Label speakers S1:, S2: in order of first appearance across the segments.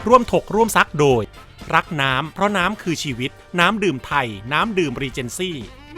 S1: ร่วมถกร่วมซักโดยรักน้ำเพราะน้ำคือชีวิตน้ำดื่มไทยน้ำดื่มรีเจนซี่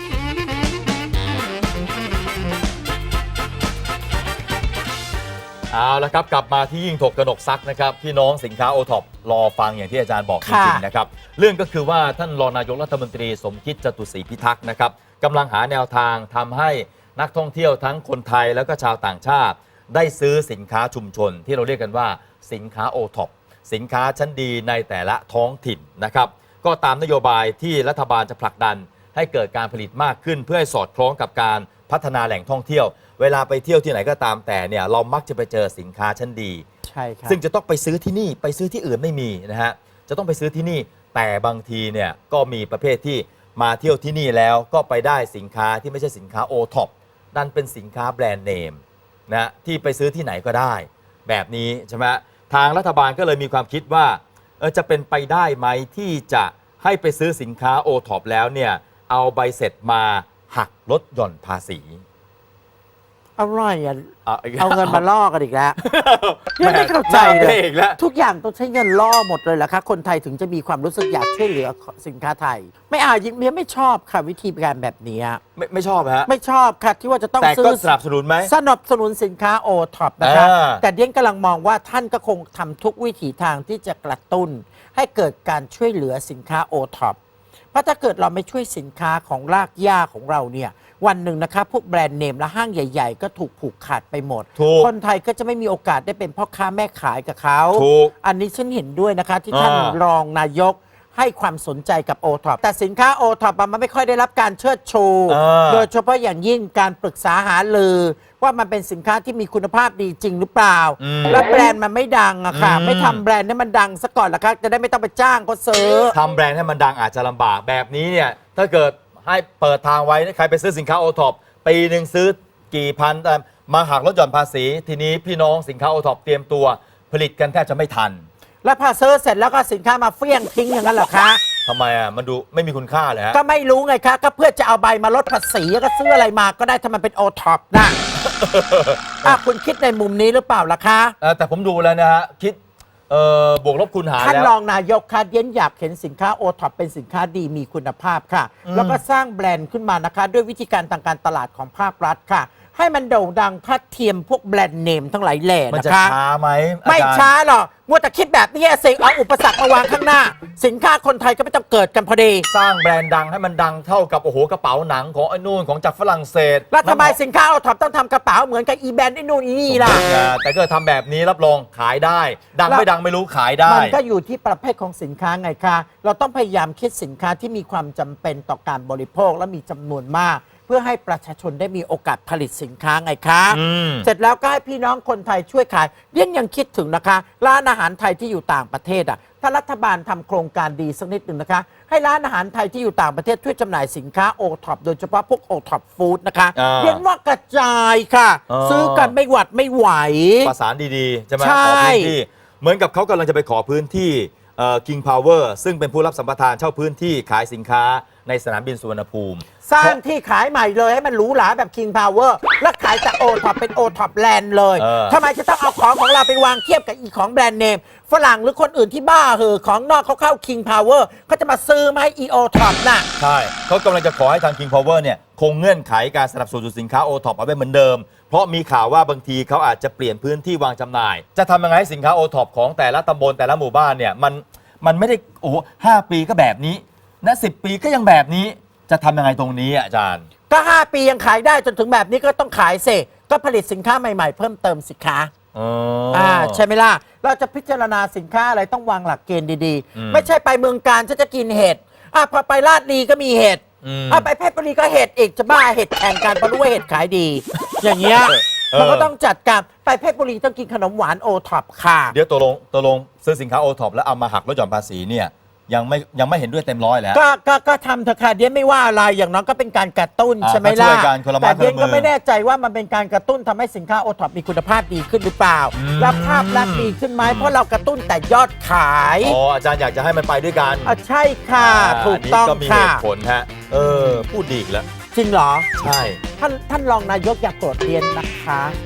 S2: เอาละครับกลับมาที่ยิ่งถกกนกซักนะครับพี่น้องสินค้าโอท็อปรอฟังอย่างที่อาจารย์บอกจริงๆนะครับเรื่องก็คือว่าท่านรองนายกรัฐมนตรีสมคิดจตุศรีพิทักษ์นะครับกำลังหาแนวทางทำให้นักท่องเที่ยวทั้งคนไทยแล้วก็ชาวต่างชาติได้ซื้อสินค้าชุมชนที่เราเรียกกันว่าสินค้าโอท็อปสินค้าชั้นดีในแต่ละท้องถิ่นนะครับก็ตามนโยบายที่รัฐบาลจะผลักดันให้เกิดการผลิตมากขึ้นเพื่อให้สอดคล้องกับการพัฒนาแหล่งท่องเที่ยวเวลาไปเที่ยวที่ไหนก็ตามแต่เนี่ยเรามักจะไปเจอสินค้าชั้นดี
S3: ใช่ครับ
S2: ซึ่งจะต้องไปซื้อที่นี่ไปซื้อที่อื่นไม่มีนะฮะจะต้องไปซื้อที่นี่แต่บางทีเนี่ยก็มีประเภทที่มาเที่ยวที่นี่แล้วก็ไปได้สินค้าที่ไม่ใช่สินค้าโอท็อปนั่นเป็นสินค้าแบรนด์เนมนะที่ไปซื้อที่ไหนก็ได้แบบนี้ใช่ไหมทางรัฐบาลก็เลยมีความคิดว่าจะเป็นไปได้ไหมที่จะให้ไปซื้อสินค้าโอท็อปแล้วเนี่ยเอาใบเสร็จมาหักลดหย่อนภาษี
S3: อะไรอ่ะเอาเงินมาล่อกันอีกแล้วยังไม่เข้าใจเลยทุกอย่างต้องใช้เงินล่อหมดเลยเหรอคะคนไทยถึงจะมีความรู้สึกอยากช่วยเหลือสินค้าไทยไม่ยิ่งไม่ชอบค่ะวิธีการแบบนี้
S2: ไม่ชอบฮะ
S3: ไม่ชอบค่ะที่ว่าจะต้อง
S2: ซื้อแต่ก็สนับสนุนไหม
S3: สนับสนุนสินค้าโอท็อปนะคะแต่เดียนกำลังมองว่าท่านก็คงทำทุกวิถีทางที่จะกระตุ้นให้เกิดการช่วยเหลือสินค้าโอท็อปเพราะถ้าเกิดเราไม่ช่วยสินค้าของรากหญ้าของเราเนี่ยวันหนึ่งนะคะพวกแบรนด์เนมและห้างใหญ่ๆก็ถูกผูกขาดไปหมดคนไทยก็จะไม่มีโอกาสได้เป็นพ่อค้าแม่ขายกับเขาอันนี้ฉันเห็นด้วยนะคะที่ท่านรองนายกให้ความสนใจกับโอท็อปแต่สินค้าโอท็อปมันไม่ค่อยได้รับการเชิดชูโดยเฉพาะอย่างยิ่งการปรึกษาหารือว่ามันเป็นสินค้าที่มีคุณภาพดีจริงหรือเปล่าแล้วแบรนด์มันไม่ดังอะค่ะไม่ทำแบรนด์ให้มันดังซะก่อนละคะจะได้ไม่ต้องไปจ้างเขาซื้อ
S2: ทำแบรนด์ให้มันดังอาจจะลำบากแบบนี้เนี่ยถ้าเกิดให้เปิดทางไว้ใครไปซื้อสินค้าโอท็อปปีหนึ่งซื้อกี่พันมาหักลดหย่อนภาษีทีนี้พี่น้องสินค้าโอท็อปเตรียมตัวผลิตกันแทบจะไม่ทัน
S3: แล้วพอซื้อเสร็จแล้วก็สินค้ามาเฟี้ยงทิ้งอย่างนั้นเหรอคะ
S2: ทำไมมันดูไม่มีคุณค่าเลยฮะ
S3: ก็ไม่รู้ไงคะก็เพื่อจะเอาใบมาลดภาษีก็ซื้ออะไรมาก็ได้ถ้ามันเป็นโอท็อปนะคุณคิดในมุมนี้หรือเปล่าล่ะคะ
S2: แต่ผมดูแล้วนะฮะคิดบวกลบคูณหารแล้ว
S3: ท่านรองนายกคะเดียนอยากเห็นสินค้าโอท็อปเป็นสินค้าดีมีคุณภาพค่ะแล้วก็สร้างแบรนด์ขึ้นมานะคะด้วยวิธีการทางการตลาดของภาครัฐค่ะให้มันโด่งดังทัดเทียมพวกแบรนด์เนมทั้งหลายแหล่นะคะ
S2: มันจะช้าไหม
S3: ไม่ช้าหรอกมัวแต่คิดแบบนี้เสกเอาอุปสรรคมาวางข้างหน้าสินค้าคนไทยก็ไม่ต้องเกิดกันพอดี
S2: สร้างแบรนด์ดังให้มันดังเท่ากับโอ้โหกระเป๋าหนังของไอ้นู่นของจากฝรั่งเศส
S3: แล้วทำไมสินค้าโอท็อปต้องทำกระเป๋าเหมือนกับอีแบรนด์ไอ้นู่นอีนี่ล่ะ
S2: แต่ก็ทำแบบนี้รับรองขายได้ดังไม่ดังไม่รู้ขายได้
S3: มันก็อยู่ที่ประเภทของสินค้าไงคะเราต้องพยายามคิดสินค้าที่มีความจำเป็นต่อการบริโภคและมีจำนวนมากเพื่อให้ประชาชนได้มีโอกาสผลิตสินค้าไงคะเสร็จแล้วก็ให้พี่น้องคนไทยช่วยขายยังคิดถึงนะคะร้านอาหารไทยที่อยู่ต่างประเทศถ้ารัฐบาลทำโครงการดีสักนิดหนึ่งนะคะให้ร้านอาหารไทยที่อยู่ต่างประเทศช่วยจำหน่ายสินค้าโอท็อปโดยเฉพาะพวกโอท็อปฟู้ดนะคะว่ากระจายค่ะซื้อกันไม่หวัดไม่ไหว
S2: ประสานดีๆใช่ไหมขอพื้นที่เหมือนกับเขากำลังจะไปขอพื้นที่King Power ซึ่งเป็นผู้รับสัมปทานเช่าพื้นที่ขายสินค้าในสนามบินสุวรรณภูมิ
S3: สร้างที่ขายใหม่เลยให้มันหรูหราแบบ King Power และขายแต่โอท็อปเป็นโอท็อปแลนด์เลยทำไมจะต้องเอาของเราไปวางเทียบกับอีของแบรนด์เนมฝรั่งหรือคนอื่นที่บ้าของนอกเขาเข้า King Power เขาจะมาซื้อมาให้อีโอท็อปน่ะ
S2: ใช่เขากำลังจะขอให้ทาง King Power เนี่ยคงเงื่อนไขการสนับสนุนสินค้าโอท็อปเอาไว้เหมือนเดิมเพราะมีข่าวว่าบางทีเขาอาจจะเปลี่ยนพื้นที่วางจำหน่ายจะทำยังไงให้สินค้าโอท็อปของแต่ละตำบลแต่ละหมู่บ้านเนี่ยมันไม่ได้โอ้5 ปีก็แบบนี้นะ10 ปีก็ยังแบบนี้จะทำยังไงตรงนี้อาจารย์
S3: ก็5 ปียังขายได้จนถึงแบบนี้ก็ต้องขายเสก็ผลิตสินค้าใหม่ๆเพิ่มเติมสิคะใช่ไหมล่ะเราจะพิจารณาสินค้าอะไรต้องวางหลักเกณฑ์ดีๆไม่ใช่ไปเมืองการจะกินเห็ดพอไปลาดลีก็มีเห็ดไปเพชรบุรีก็เห็ดอีกจะบ้าเห็ดแข่งกันเพราะรู้ว่าเห็ดขายดีอย่างเงี้ยมันก็ต้องจัดการไปเพชรบุรีต้องกินขนมหวานโอท็อปค่ะ
S2: เดี๋ยวตกลงซื้อสินค้าโอท็อปแล้วเอามาหักลดหย่อนภาษีเนี่ยยังไม่เห็นด้วยเต็มร้อยแล้ว
S3: ก็ทำเถอะค่ะเดี๋ยวไม่ว่าอะไรอย่างน้อยก็เป็นการกระตุ้นใช่ไหมล่ะแต่เดี๋ยวก็ไม่แน่ใจว่ามันเป็นการกระตุ้นทำให้สินค้าโอท็อปมีคุณภาพดีขึ้นหรือเปล่าและภาพลักษณ์ดีขึ้นไหมเพราะเรากระตุ้นแต่ยอดขาย
S2: อาจารย์อยากจะให้มันไปด้วยกัน
S3: ใช่ค่ะถูกต้องค่ะ
S2: ก็มีเหตุผลฮะพูดดีแล้ว
S3: จริงเหรอ
S2: ใช่
S3: ท่านรองนายกอย่าโกรธเรียนนะคะ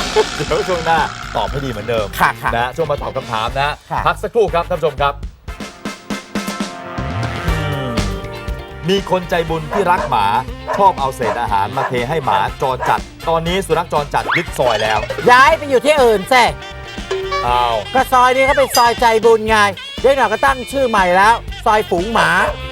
S2: เดี๋ยวช่วงหน้าตอบให้ดีเหมือนเดิม
S3: ค่ะ
S2: นะช่วงมาตอบคำถามนะ
S3: ค่ะ
S2: พักสักครู่ครับท่านผู้ชมครับมีคนใจบุญที่รักหมาชอบเอาเศษอาหารมาเทให้หมาจรจัด ตอนนี้สุนัขจรจัดยึดซอยแล้ว
S3: ย้ายไปอยู่ที่อื่นแซ่
S2: อ้าว
S3: ก็ซอยนี้เขาเป็นซอยใจบุญไงเดี๋ยวหน่อยก็ตั้งชื่อใหม่แล้ว ซอยฝูงหมา